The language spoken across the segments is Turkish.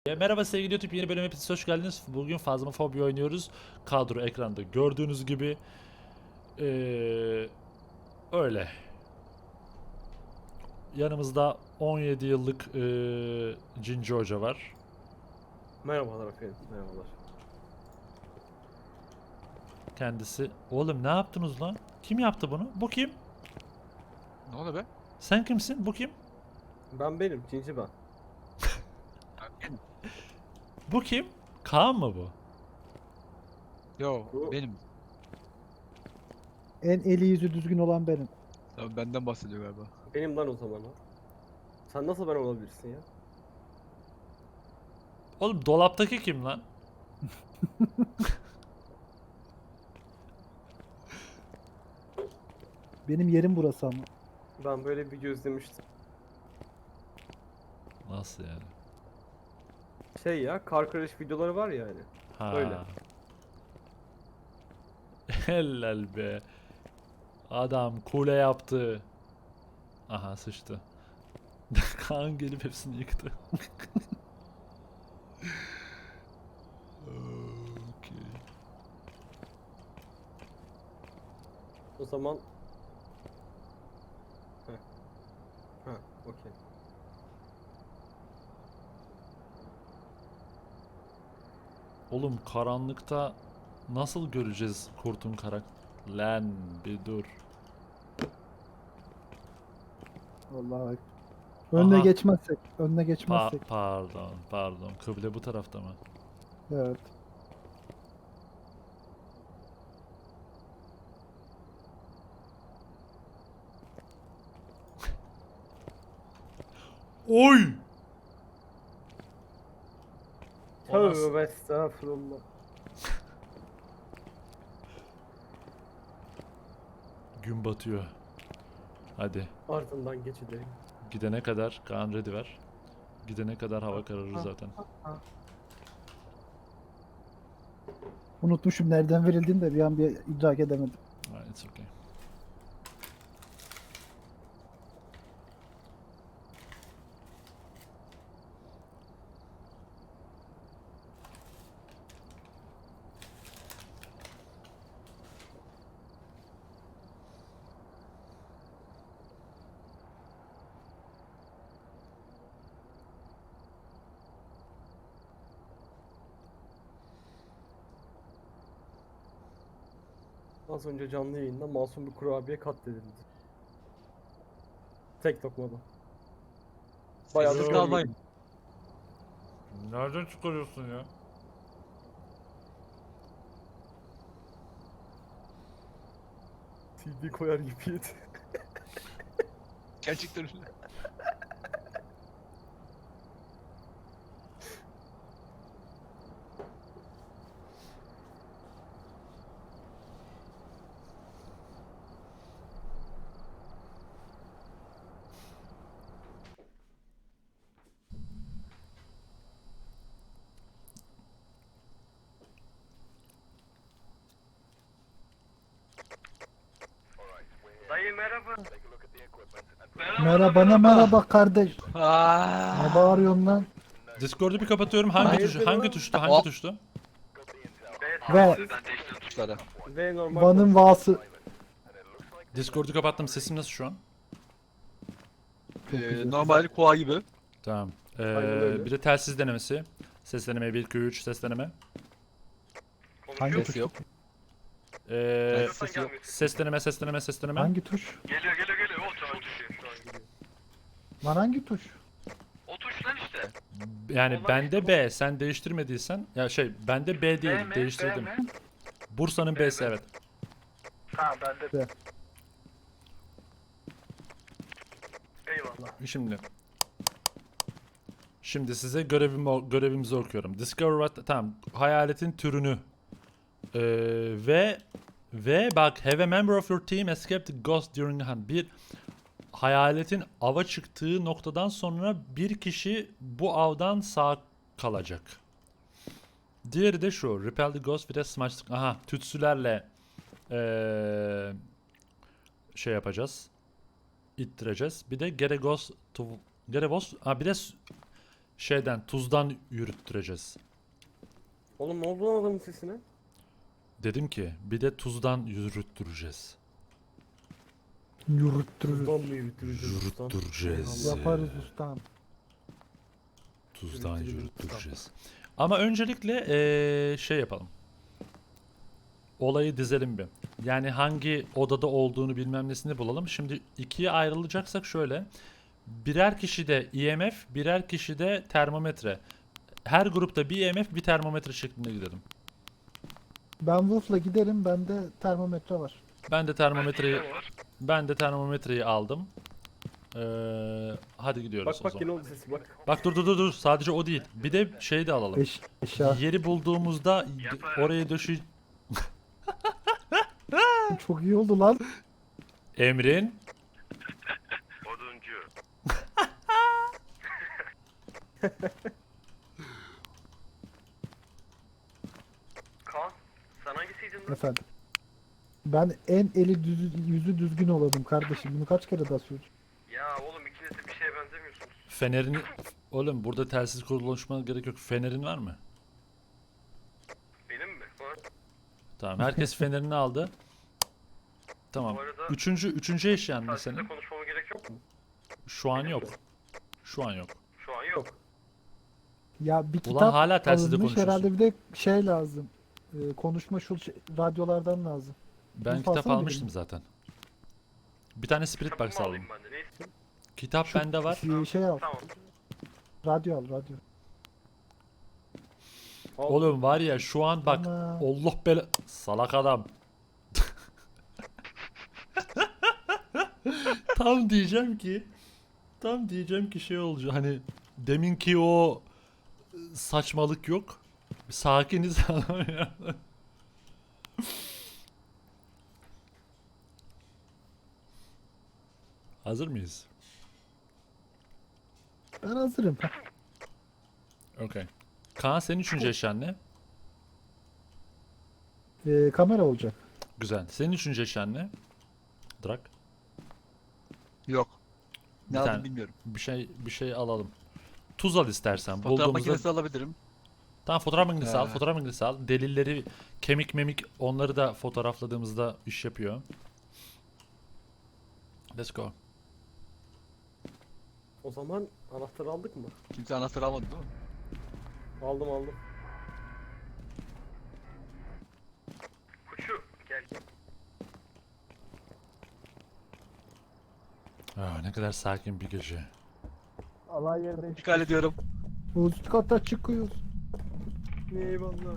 Merhaba sevgili YouTube, yeni bölüme hepiniz hoş geldiniz. Bugün Phasmophobia oynuyoruz. Kadro ekranda gördüğünüz gibi. Öyle. Yanımızda 17 yıllık Cinci Hoca var. Merhabalar efendim, merhabalar. Kendisi. Oğlum ne yaptınız lan? Kim yaptı bunu? Bu kim? Ne oldu be? Sen kimsin? Bu kim? Benim, Cinci ben. Bu kim? Kaan mı bu? Yo Bu- benim. En eli yüzü düzgün olan benim. Tabii benden bahsediyor galiba. Benim lan o zaman o. Sen nasıl ben olabilirsin ya? Oğlum dolaptaki kim lan? Benim yerim burası ama. Ben böyle bir video izlemiştim. Nasıl yani? Şey ya, kar crash videoları var ya hani. Ha. Öyle. Helal be. Adam kule yaptı. Aha sıçtı. Kaan gelip hepsini yıktı. Okey. O zaman... Heh. Ha, okey. Oğlum karanlıkta nasıl göreceğiz kurtun Lan bir dur. Vallahi. Önüne Aha. geçmezsek. Önüne geçmezsek. Pardon. Kıble bu tarafta mı? Evet. Oy! O nasıl? Tövbe estağfurullah. Gün batıyor. Hadi. Ardından geçelim. Gidene kadar Kaan ready ver. Gidene kadar hava kararır zaten. Unutmuşum nereden verildiğini de bir an bir idrak edemedim. It's okay. Az önce canlı yayında masum bir kurabiye katledildi. Tek lokmada. Bayağı da Sessiz görmedim. kalmayın. Nereden çıkarıyorsun ya? CD koyar gibiydi. Gerçekten öyle. Dayı merhaba. Merhaba kardeş. Aa. Ne bağırıyorsun lan? Discord'u bir kapatıyorum. Hangi Hayırdır tuşu? Hangi lan? tuştu? Hangi Oh. tuştu? Ve Tuşlara. Ve normal. Van'ın vası. Discord'u kapattım. Sesim nasıl şu an? Normal koa gibi. Tamam. Aynen öyle. Bir de telsiz denemesi. Ses deneme 1 2 3 ses deneme. Hangi Ses tuş? yok. Ses yok. ses deneme. Hangi tuş? Geliyor o tuş. Lan hangi tuş? O tuş lan işte. Yani Olan bende işte bu. B, sen değiştirmediysen ya bende B değil, B mi? değiştirdim. B mi? Bursa'nın B B'si mi? evet. Ha bende. B. Eyvallah. Şimdi size görevimizi okuyorum. Discover tamam, hayaletin türünü ve bak, have a member of your team escaped the ghost during the hunt. Bir hayaletin ava çıktığı noktadan sonra bir kişi bu avdan sağ kalacak. Diğeri de şu. Repel the ghost with a smash. Aha, tütsülerle şey yapacağız. İttireceğiz. Bir de get a ghost to bir de Şeyden, tuzdan yürüttüreceğiz. Oğlum ne oldu lan adamın sesine? Dedim ki bir de tuzdan yürüttüreceğiz. Yürüttürürüz. Tuzdan mı yürütürüz? Yürüttüreceğiz. Yaparız ustam. Tuzdan Yürüttüreceğiz. yürüttüreceğiz. Ama öncelikle şey yapalım. Olayı dizelim bir. Yani hangi odada olduğunu bilmem nesini bulalım. Şimdi ikiye ayrılacaksak şöyle. Birer kişi de IMF, birer kişi de termometre. Her grupta bir IMF, bir termometre şeklinde gidelim. Ben Wolf'la giderim. Bende termometre var. Ben de termometreyi aldım. Hadi gidiyoruz Bak o bak zaman. yine oldu sesi bak. Bak dur. Sadece o değil. Bir de şey de alalım. Eşya. Yeri bulduğumuzda oraya Çok iyi oldu lan. Emrin. Oduncu. Kaan sen hangisiydin lan? Efendim. Ben en yüzü düzgün olalım kardeşim. Bunu kaç kere daha söyleyeceğim. Ya oğlum ikiniz de bir şeye benzemiyorsunuz. Fenerini... Oğlum burada telsiz konuşmana gerek yok. Fenerin var mı? Benim mi? Var. Tamam. Herkes fenerini aldı. Tamam. Bu arada Üçüncü eşyan ne telsizle senin? konuşmama gerek yok mu? Şu an yok. Şu an yok. Şu an yok. Ya bir Ulan kitap hala telsizde alınmış, konuşuyorsun. herhalde bir de şey lazım. Konuşma radyolardan lazım. Ben Bunu kitap alsana almıştım benim. zaten. Bir tane Spirit Kitabımı Box aldım. alayım ben de. Ne istiyorsun? Kitap Şu bende var. Şey al. Tamam. Radyo al radyo. Oğlum var ya şu an bak. Ana. Allah bela... Salak adam. Tam diyeceğim ki şey olacak hani deminki o saçmalık yok. Sakiniz. Hazır mıyız? Ben hazırım. Okay. Kaan senin üçüncü eşyan ne? Kamera olacak. Güzel. Senin üçüncü eşyan ne? Drak. Yok. Bir Ne aldım tane- bilmiyorum. Bir şey alalım. Tuz al istersen. Fotoğraf Bulduğumuzda... makinesi alabilirim. Tamam fotoğraf makinesi al. Ee. Fotoğraf makinesi al. Delilleri, kemik memik onları da fotoğrafladığımızda iş yapıyor. Let's go. O zaman anahtarı aldık mı? Kimse anahtar almadı değil mi? Aldım. Kuçu gel. Ne kadar sakin bir gece. Alay yerde. Dikkat ediyorum. Üst kata çıkıyoruz. Eyvallah.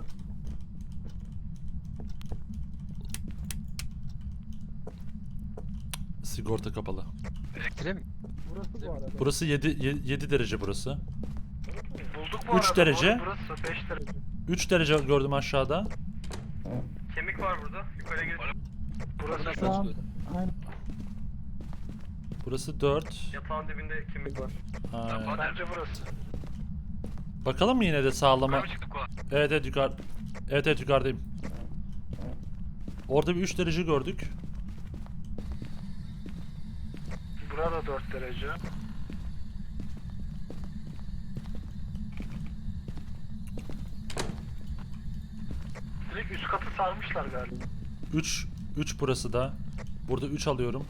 Sigorta kapalı. Elektriğe mi? Burası bu arada. Burası 7 derece burası. Bulduk bu 3 arada. derece. Burası 5 derece. 3 derece gördüm aşağıda. Kemik var burada. Yukarıya gel. Burası nasıl Şu an- açılıyor? Aynen. Burası 4. Yatağın dibinde kemik var. Bence burası. Bakalım mı yine de sağlama? Yukarı mı çıktık Kaan? Evet yukarı. Evet yukarıdayım. Orada bir 3 derece gördük. Burada 4 derece. Direkt üst katı sarmışlar galiba. 3 burası da. Burada 3 alıyorum.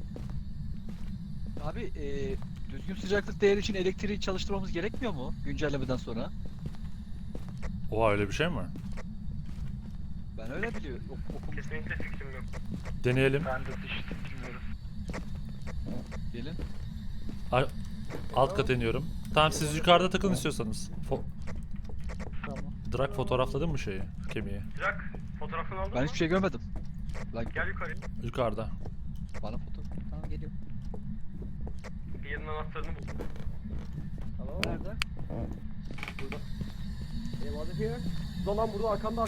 Abi düzgün sıcaklık değeri için elektriği çalıştırmamız gerekmiyor mu güncellemeden sonra? Oha öyle bir şey mi var? Ben öyle biliyorum. Okumuştum. Kesinlikle fikrim yok. Deneyelim. Ben de işte bilmiyorum. Gelin. Alt kat iniyorum. Tamam siz yukarıda takılın istiyorsanız. Tamam. Drak fotoğrafladın mı şeyi? Kemiği. Drak fotoğrafını aldın Ben mı? hiçbir şey görmedim. Lan Gel yukarıya. Yukarıda. bana foto. Tamam geliyor. Bir yerin anahtarını bul. Tamam. Nerede? Eyvallah here. Dolan burada arkanda.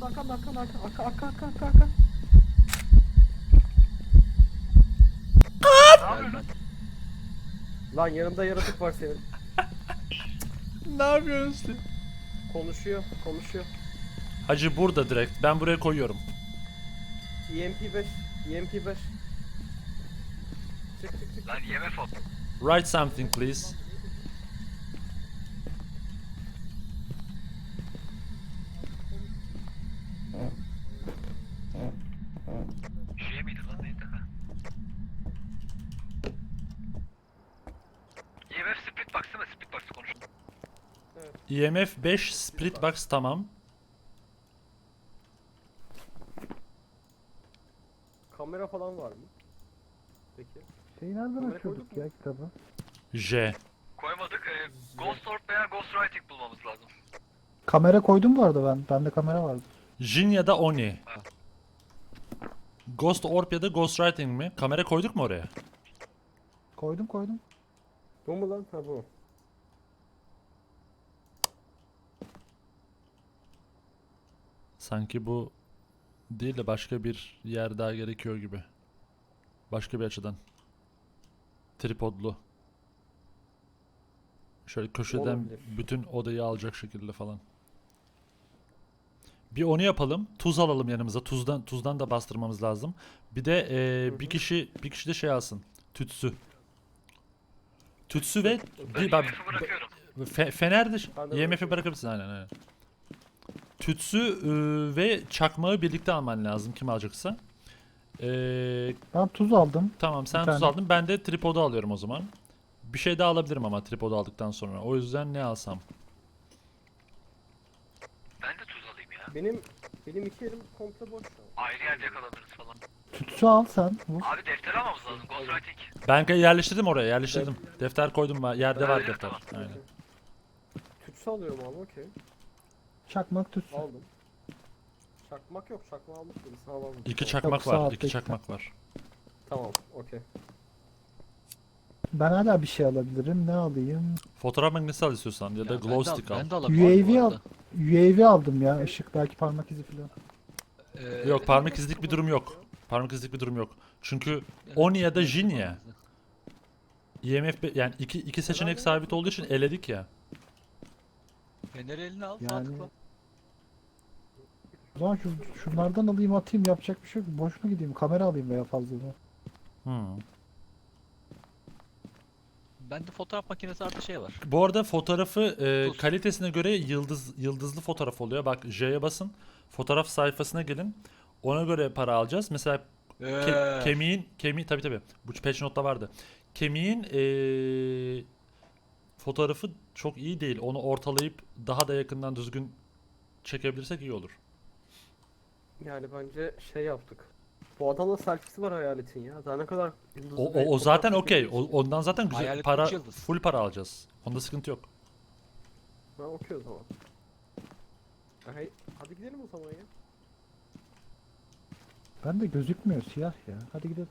Ne yapıyorsun? Lan yanımda yaratık var senin. Ne yapıyorsun? Konuşuyor. Hacı burada direkt. Ben buraya koyuyorum. EMP5. Çık. Lan yeme foto. Write something please. EMF 5 split box tamam. Kamera falan var mı? Peki. Şeyi nereden Kamera açıyorduk koyduk mu? ya kitabı? J. Koymadık. Ghost Orb veya Ghost Writing bulmamız lazım. Kamera koydum bu arada ben. Bende kamera vardı. Jin ya da Oni. Ghost Orb ya da Ghostwriting mi? Kamera koyduk mu oraya? Koydum. Bu mu lan? Ha bu. Sanki bu değil de başka bir yer daha gerekiyor gibi. Başka bir açıdan. Tripodlu. Şöyle köşeden Olabilir. bütün odayı alacak şekilde falan. Bir onu yapalım. Tuz alalım yanımıza. Tuzdan da bastırmamız lazım. Bir de Hı bir hı. kişi de şey alsın. Tütsü. Tütsü ve Ben bir bak EMF'i bırakıyorum. Fener de Ben de IMF'i bırakıyorum. bırakabilirsin aynen. Tütsü ve çakmağı birlikte alman lazım kim alacaksa. Ben tuz aldım. Tamam sen Bir tuz tane. aldın ben de tripodu alıyorum o zaman. Bir şey daha alabilirim ama tripodu aldıktan sonra. O yüzden ne alsam? Ben de tuz alayım ya. Benim iki elim komple boş şu an. Ayrı yerde yakalanırız falan. Tütsü al sen. Vur. Abi defter almamız lazım. Ghost Writing. Ben yerleştirdim oraya yerleştirdim. Defter koydum yerde var Öyle mi? defter. Tamam. Aynen. Tütsü alıyorum abi okey. Çakmak tütsü. Aldım. Çakmak yok. Çakma aldık mıydı? Sağ aldım. İki Tamam. çakmak Yok, sağ var. altta İki iki çakmak var. Tamam okey. Ben hala bir şey alabilirim. Ne alayım? Fotoğraf makinesi al istiyorsan ya da Ya glow stick al. Ben de alabilirim bu UAV al. arada. UAV aldım ya. Işık belki parmak izi falan. Yok parmak izlik bir durum yok. Parmak izlik bir durum yok. Çünkü Oni ya da Jin ya. Yani iki seçenek sabit olduğu için eledik ya. Feneri eline al, sağ Yani- tıkla. O zaman şunlardan alayım atayım yapacak bir şey yok. Boş mu gideyim? Kamera alayım veya fazla. Hmm. Bende fotoğraf makinesi artı şey var. Bu arada fotoğrafı Tuz. kalitesine göre yıldızlı fotoğraf oluyor. Bak J'ye basın. Fotoğraf sayfasına gelin. Ona göre para alacağız. Mesela kemiğin tabii bu patch note'ta vardı. Kemiğin fotoğrafı çok iyi değil. Onu ortalayıp daha da yakından düzgün çekebilirsek iyi olur. Yani bence şey yaptık. Bu adamla selfie'si var hayaletin ya. Daha ne kadar yıldızlı O, bir o zaten fotoğraf okey. çekebilirsin. Ondan zaten güzel Hayalet para, üç yıldız. full para alacağız. Onda sıkıntı yok. Ha okey o zaman. Hadi gidelim o zaman ya. Ben de gözükmüyor siyah ya. Hadi gidelim.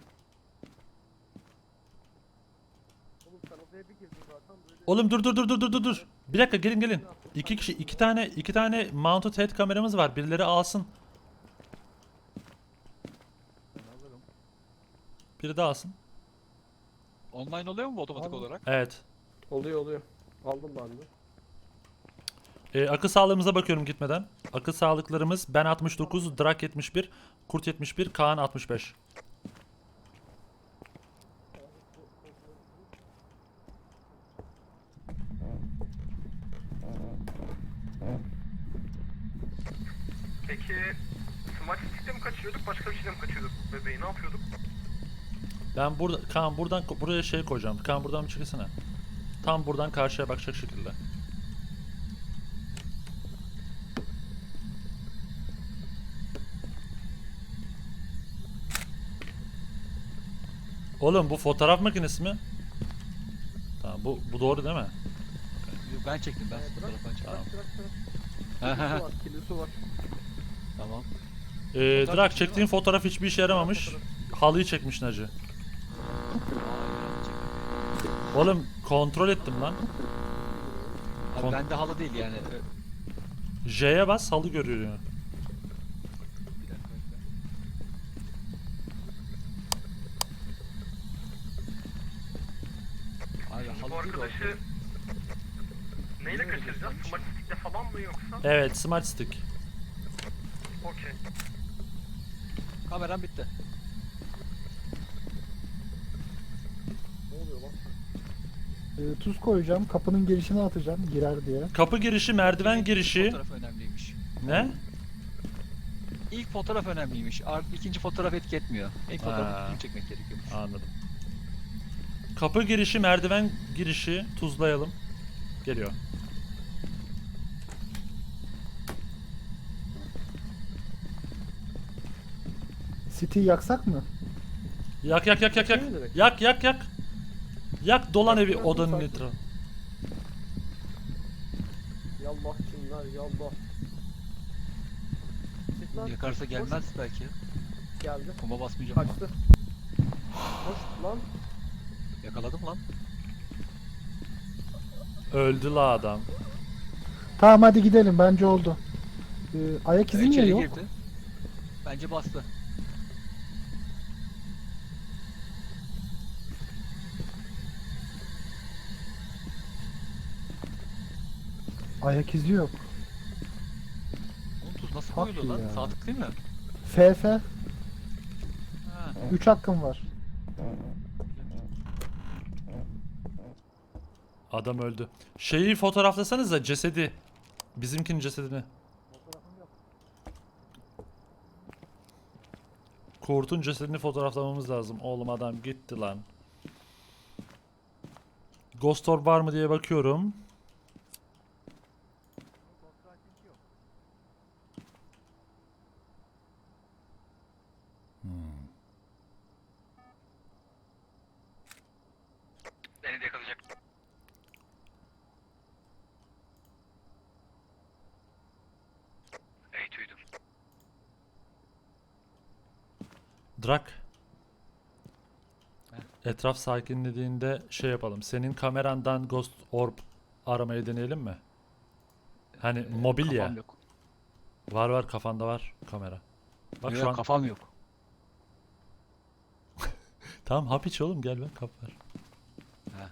Oğlum sen odaya bir girdin zaten böyle. Oğlum dur. Bir dakika gelin. İki kişi iki tane mounted head kameramız var. Birileri alsın. Ben alırım. Biri de alsın. Online oluyor mu bu otomatik Abi. olarak? Evet. Oluyor. Aldım ben de. Akıl sağlığımıza bakıyorum gitmeden. Akıl sağlıklarımız ben 69, Drak 71, Kurt 71, Kaan 65. Peki Smart Stick'le mi kaçıyorduk? Başka bir şeyle mi kaçıyorduk bebeği? Ne yapıyorduk? Ben Kaan buradan buraya şey koyacağım. Kaan buradan bir çıkısana. Tam buradan karşıya bakacak şekilde. Oğlum bu fotoğraf makinesi mi? Tamam bu doğru değil mi? Ben çektim ben Bırak, fotoğrafını çektim. Tamam. Kilisi var, kilisi var. Tamam. Drak çektiğin fotoğraf hiçbir işe yaramamış. Halıyı çekmiş Naci. Oğlum kontrol ettim lan. Abi Kon- bende halı değil yani. J'ye bas halı görüyor. Bir dakika bekle. Abi Bu halı değil o. arkadaşı neyle kaçıracağız? Smart Stick'le falan mı yoksa? Evet smart stick. Okey. Kameram bitti. Ne oluyor lan? Tuz koyacağım. Kapının girişine atacağım. Girer diye. Kapı girişi, merdiven İlk girişi. fotoğraf önemliymiş. Ne? İlk fotoğraf önemliymiş. İkinci fotoğraf etki etmiyor. İlk Ha. fotoğrafı kim çekmek gerekiyormuş. Anladım. Kapı girişi, merdiven girişi tuzlayalım. Geliyor. City yaksak mı? Yak yak yak yak yak. Ne demek? Yak yak yak. Yak dolan evi Yaktım, odanın sakin. etrafı. Yallah cinler yallah. Çık lan, Yakarsa koş. gelmez belki. Geldi. Kuma basmayacağım. Kaçtı. Koş lan. Yakaladım lan. Öldü la adam. Tamam hadi gidelim bence oldu. Ayak izi niye İçeri yok? girdi. Bence bastı. Ayak izi yok. Oğlum tuz nasıl Fuck koyuluyor lan? ya. Sağ tık değil mi? FF. Ha. 3 hakkım var. Adam öldü. Şeyi fotoğraflasanıza cesedi. Bizimkinin cesedini. Kurt'un cesedini fotoğraflamamız lazım. Oğlum adam gitti lan. Ghost Orb var mı diye bakıyorum. Beni de yakalayacak. Eğitiyordum. Drak. Etraf sakinlediğinde şey yapalım. Senin kamerandan Ghost Orb aramayı deneyelim mi? Hani mobil ya. Kafam yok. Var var kafanda var kamera. Bak Yok, şu an. kafam yok. Tamam hap iç oğlum gel ben kap ver. Ha.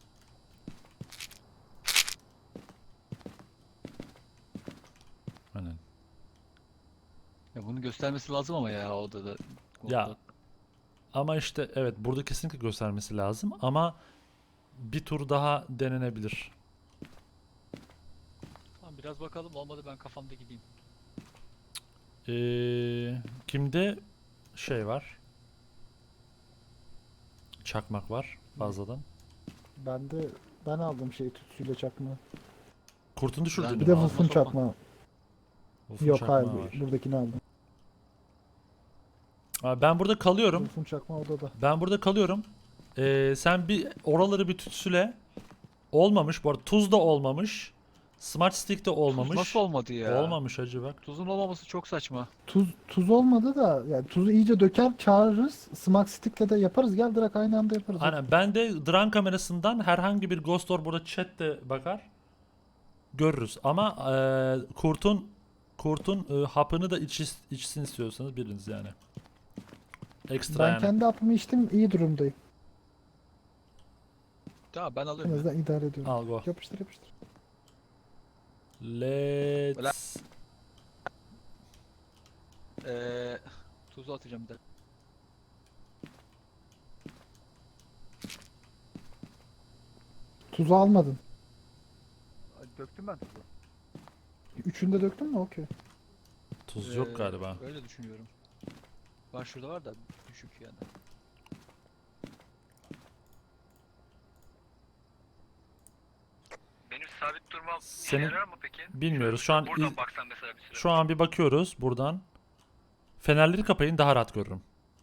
Aynen. Ya bunu göstermesi lazım ama ya odada. Ya ama işte evet burada kesinlikle göstermesi lazım ama bir tur daha denenebilir. Tamam biraz bakalım, olmadı ben kafamda gideyim. Kimde şey var? Çakmak var fazladan. Ben aldım şey tütsüyle çakma. Kurtun düşürdüğünü Ben- Bir mü de aldın? Wolf'un sokma. çakma. Wolf'un Yok çakmağı hayır var. buradakini aldım. Abi ben burada kalıyorum. Wolf'un çakma odada. Ben burada kalıyorum. Sen bir oraları bir tütsüle. Olmamış bu arada. Tuz da olmamış. Smart Stick de olmamış. Tuz nasıl olmadı ya? Olmamış hacı bak. Tuzun olmaması çok saçma. Tuz olmadı da yani tuzu iyice döker çağırırız. Smack Stick'le de yaparız. Gel direkt aynı anda yaparız. Aynen. Ben de drone kamerasından herhangi bir Ghost Orb burada chat de bakar. Görürüz. Ama kurtun hapını da içsin istiyorsanız biriniz yani. Ekstra Ben yani. kendi hapımı içtim iyi durumdayım. Tamam ben En alıyorum. ya. azından idare ediyorum. Al go. Yapıştır yapıştır. Let's. Tuzu atacağım bir de. Tuzu almadın. Döktüm ben tuzu. Üçünde döktün mü? Okey. Tuz yok galiba. Öyle düşünüyorum. Var şurada var da düşük yani. Benim sabit durmam Senin- işe yarar mı peki? Bilmiyoruz. Şu an Buradan baksan mesela bir süre. şu an bir bakıyoruz buradan. Fenerleri kapayın daha rahat görürüm.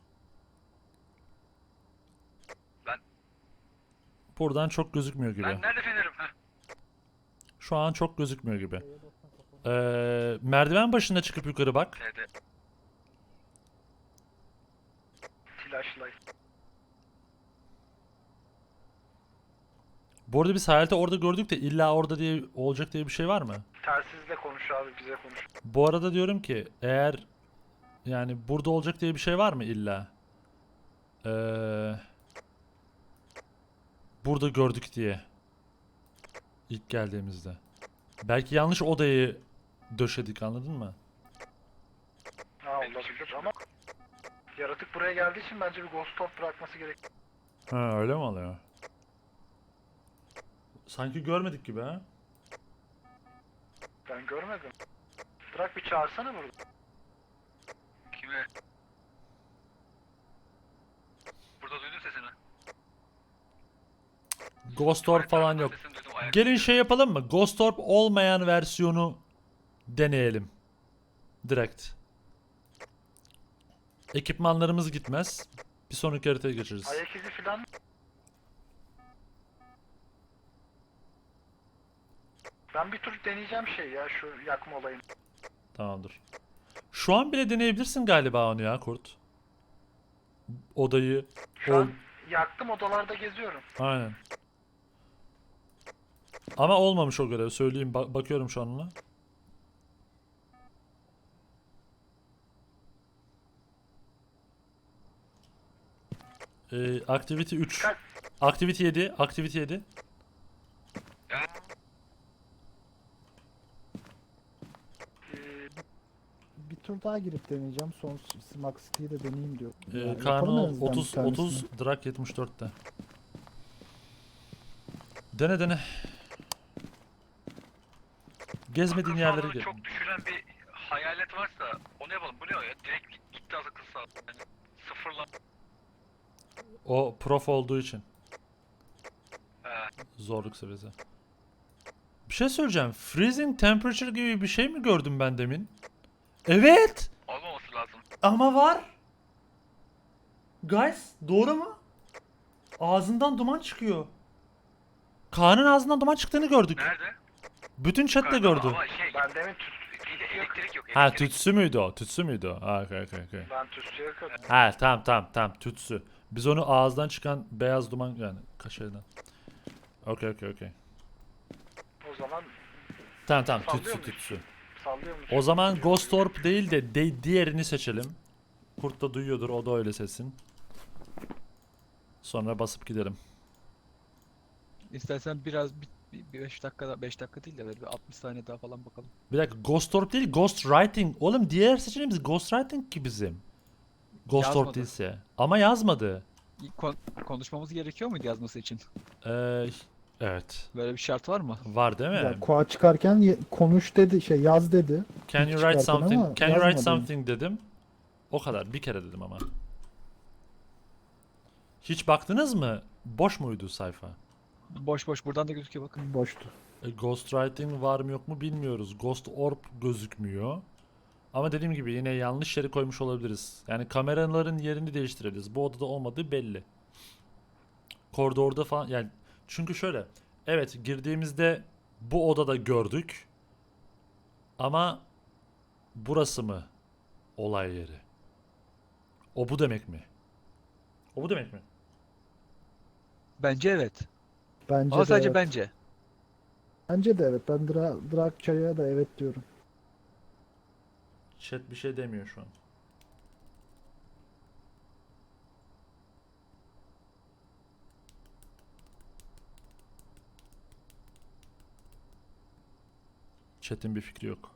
Ben- Buradan çok gözükmüyor gibi. Ben nerede fenerim? Heh. Şu an çok gözükmüyor gibi. Merdiven başında çıkıp yukarı bak. T'de. Flashlight. Bu arada biz hayalete orada gördük de illa orada diye olacak diye bir şey var mı? Telsizle konuş abi, bize konuş. Bu arada diyorum ki eğer yani burada olacak diye bir şey var mı illa? Burada gördük diye. İlk geldiğimizde. Belki yanlış odayı döşedik anladın mı? Ha olabilir ama yaratık buraya geldiği için bence bir ghost orb bırakması gerek. Ha öyle mi oluyor? Sanki görmedik gibi ha? Ben görmedim. Bırak bir çağırsana burada. Kime? Burada duydun sesini. Ghost Orb falan yok. Sesini duydum, ayak. Gelin şey yapalım mı? Ghost Orb olmayan versiyonu deneyelim. Direkt. Ekipmanlarımız gitmez. Bir sonraki haritaya geçeriz. Ayak izi falan. Ben bir tur deneyeceğim şey ya şu yakma olayını. Tamamdır. Şu an bile deneyebilirsin galiba onu ya Kurt. Odayı. Şu an yaktım, odalarda geziyorum. Aynen. Ama olmamış o görev söyleyeyim. Bakıyorum şu an ona. Activity 3. Kaç? Activity 7. Activity 7. Bir tur daha girip deneyeceğim. Son Smack City'yi de deneyeyim diyor. Kaan Yapalım en azından bir 30 tanesini. 30 Drak 74'te. Dene dene. Gezmediğin yerlere gel. Çok düşüren bir hayalet varsa onu yapalım. Bu ne o ya? Direkt gitti akıl sağlığı. Yani sıfırla. O prof olduğu için. He. Zorluk seviyesi. Bir şey söyleyeceğim. Freezing temperature gibi bir şey mi gördüm ben demin? Evet. Olmaması lazım. Ama var. Guys, doğru mu? Ağzından duman çıkıyor. Kaan'ın ağzından duman çıktığını gördük. Nerede? Bütün chat de Yukarıda gördü. Ama şey, Ben demin bir de elektrik yok. Ha elektrik. tütsü müydü o? Tütsü müydü o? Ha okey. ben tütsüye kadar. Ha tamam tütsü. Biz onu ağızdan çıkan beyaz duman yani kaşardan. Okey. O zaman Tamam Sallıyor tütsü muyuz? tütsü. sallıyor musun? O zaman Ghost Orb değil de diğerini seçelim. Kurt da duyuyordur, o da öyle seçsin. Sonra basıp gidelim. İstersen biraz bir 5 dakika 5 dakika değil de böyle bir 60 saniye daha falan bakalım. Bir dakika, Ghost Orb değil, Ghost Writing. Oğlum diğer seçeneğimiz Ghost Writing ki bizim. Ghost Orb Yazmadı. değilse. Ama yazmadı. Konuşmamız gerekiyor muydu yazması için? Evet. Böyle bir şart var mı? Var değil mi? Ya koa çıkarken konuş dedi, yaz dedi. Can you ilk write çıkarken ama something? Can you write yazmadı. something dedim. O kadar. Bir kere dedim ama. Hiç baktınız mı? Boş muydu sayfa? Boş buradan da gözüküyor bakın. Boştu. Ghostwriting var mı yok mu bilmiyoruz. Ghost Orb gözükmüyor. Ama dediğim gibi yine yanlış yere koymuş olabiliriz. Yani kameraların yerini değiştirebiliriz. Bu odada olmadığı belli. Koridorda falan yani çünkü şöyle. Evet girdiğimizde bu odada gördük. Ama burası mı olay yeri? O bu demek mi? O bu demek mi? Bence evet. Bence Ama de sadece evet. bence. Bence de evet. Ben Drakça'ya da evet diyorum. Chat bir şey demiyor şu an. Chat'in bir fikri yok.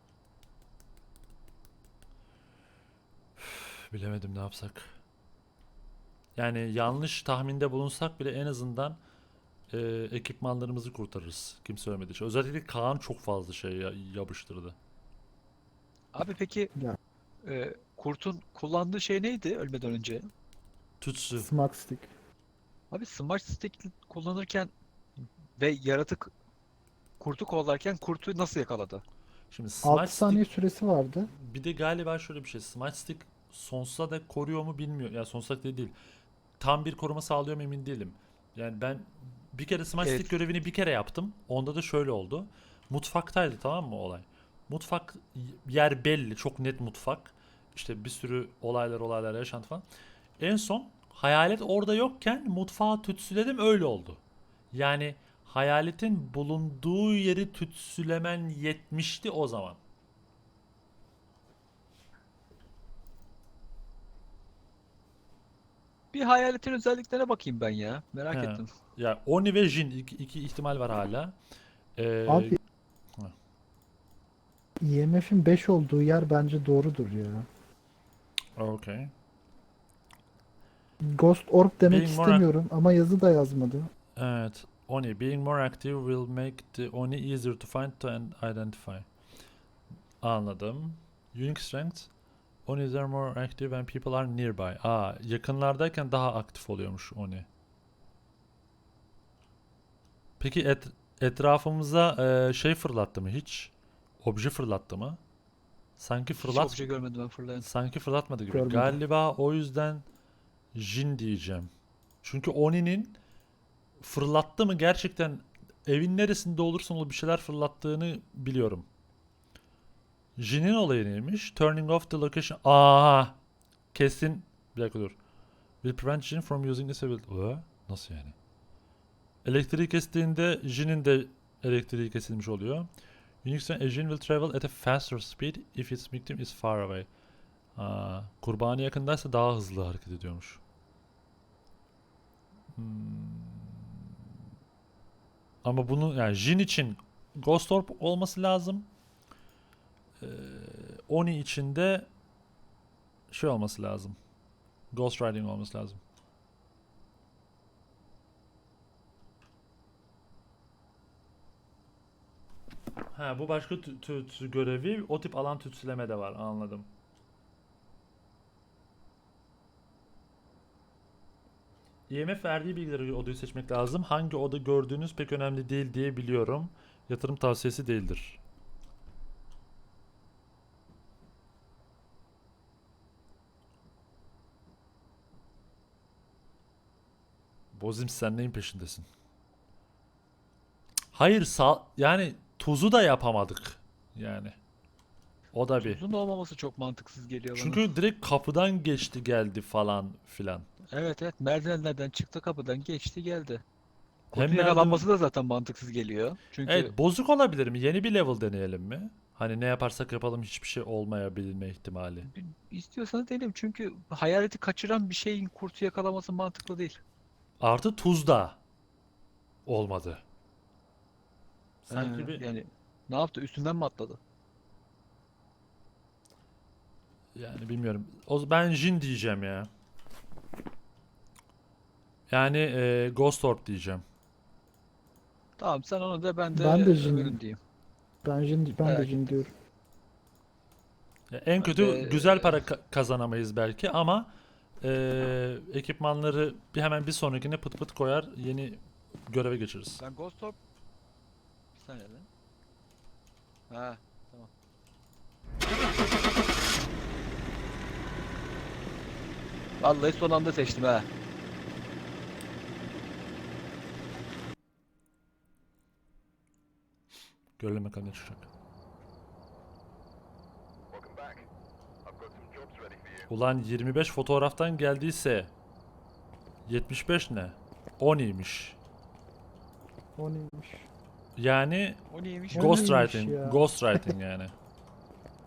Üf, bilemedim ne yapsak. Yani yanlış tahminde bulunsak bile en azından ekipmanlarımızı kurtarırız. Kimse ölmediği için. Özellikle Kaan çok fazla şey yapıştırdı. Abi peki Ya. Kurt'un kullandığı şey neydi ölmeden önce? Tütsü. Smack Stick. Abi Smart Stick kullanırken ve yaratık Kurt'u kovalarken Kurt'u nasıl yakaladı? Şimdi 6 Smite saniye Stick süresi vardı. bir de galiba şöyle bir şey. Smite Stick sonsuza dek koruyor mu bilmiyorum. Ya sonsuza dek değil. Tam bir koruma sağlıyor mu emin değilim. Yani ben bir kere Smite Evet. Stick görevini bir kere yaptım. Onda da şöyle oldu. Mutfaktaydı tamam mı olay? Mutfak yer belli. Çok net mutfak. İşte bir sürü olaylar yaşantı falan. En son hayalet orada yokken mutfağı tütsüledim öyle oldu. Yani hayaletin bulunduğu yeri tütsülemen yetmişti o zaman. Bir hayaletin özelliklerine bakayım ben ya. Merak He. ettim. Ya Oni ve Jin iki ihtimal var hala. Abi ha. IMF'in 5 olduğu yer bence doğrudur ya. Okay. Ghost Orb demek Being more istemiyorum ama yazı da yazmadı. Evet. Oni. Being more active will make the Oni easier to find and identify. Anladım. Unique strength. Onis are more active when people are nearby. Yakınlardayken daha aktif oluyormuş Oni. Peki etrafımıza şey fırlattı mı hiç? Obje fırlattı mı? Sanki Hiç fırlat obje görmedim ben fırlayan. sanki fırlatmadı gibi. Görmedim. Galiba o yüzden Jin diyeceğim. Çünkü Oni'nin fırlattı mı gerçekten evin neresinde olursa ol bir şeyler fırlattığını biliyorum. Jin'in olayı neymiş? Turning off the location. Kesin. Bir dakika dur. Will prevent Jin from using this ability. Nasıl yani? Elektriği kestiğinde Jin'in de elektriği kesilmiş oluyor. Unix a Jin will travel at a faster speed if its victim is far away. Kurbanı yakındaysa daha hızlı hareket ediyormuş. Ama bunu yani Jin için Ghost Orb olması lazım. Oni için de şey olması lazım. Ghost Riding olması lazım. Bu başka görevi. O tip alan tütsüleme de var. Anladım. IMF verdiği bilgileri odayı seçmek lazım. Hangi oda gördüğünüz pek önemli değil diye biliyorum. Yatırım tavsiyesi değildir. Bozim sen neyin peşindesin? Hayır yani tuzu da yapamadık. Yani. O da bir. Uzun olmaması çok mantıksız geliyor bana. Çünkü direkt kapıdan geçti geldi falan filan. Evet merdivenlerden çıktı kapıdan geçti geldi. Hem Kurtu yakalanması da zaten mantıksız geliyor. Çünkü Evet, bozuk olabilir mi? Yeni bir level deneyelim mi? Hani ne yaparsak yapalım hiçbir şey olmayabilme ihtimali. istiyorsanız deneyelim çünkü hayaleti kaçıran bir şeyin kurtu yakalaması mantıklı değil. Artı tuz da olmadı. Sanki bir Yani ne yaptı? Üstünden mi atladı? yani bilmiyorum. Ben Jin diyeceğim ya. Yani Ghost Orb diyeceğim. Tamam sen onu de ben de Ben de Jin. öbürünü diyeyim. Ben de Merak Jin diyorum. Ya en kötü de- güzel para kazanamayız belki ama ekipmanları hemen bir sonrakine pıt pıt koyar yeni göreve geçeriz. Ben Ghost Orb... Bir saniye lan. Ha tamam. Vallahi son anda seçtim ha. Görelim bakalım ne çıkacak. Ulan 25 fotoğraftan geldiyse 75 ne? 10'iymiş. O neymiş? Yani O neymiş? O Ghost neymiş Writing, ya? Ghost Writing yani.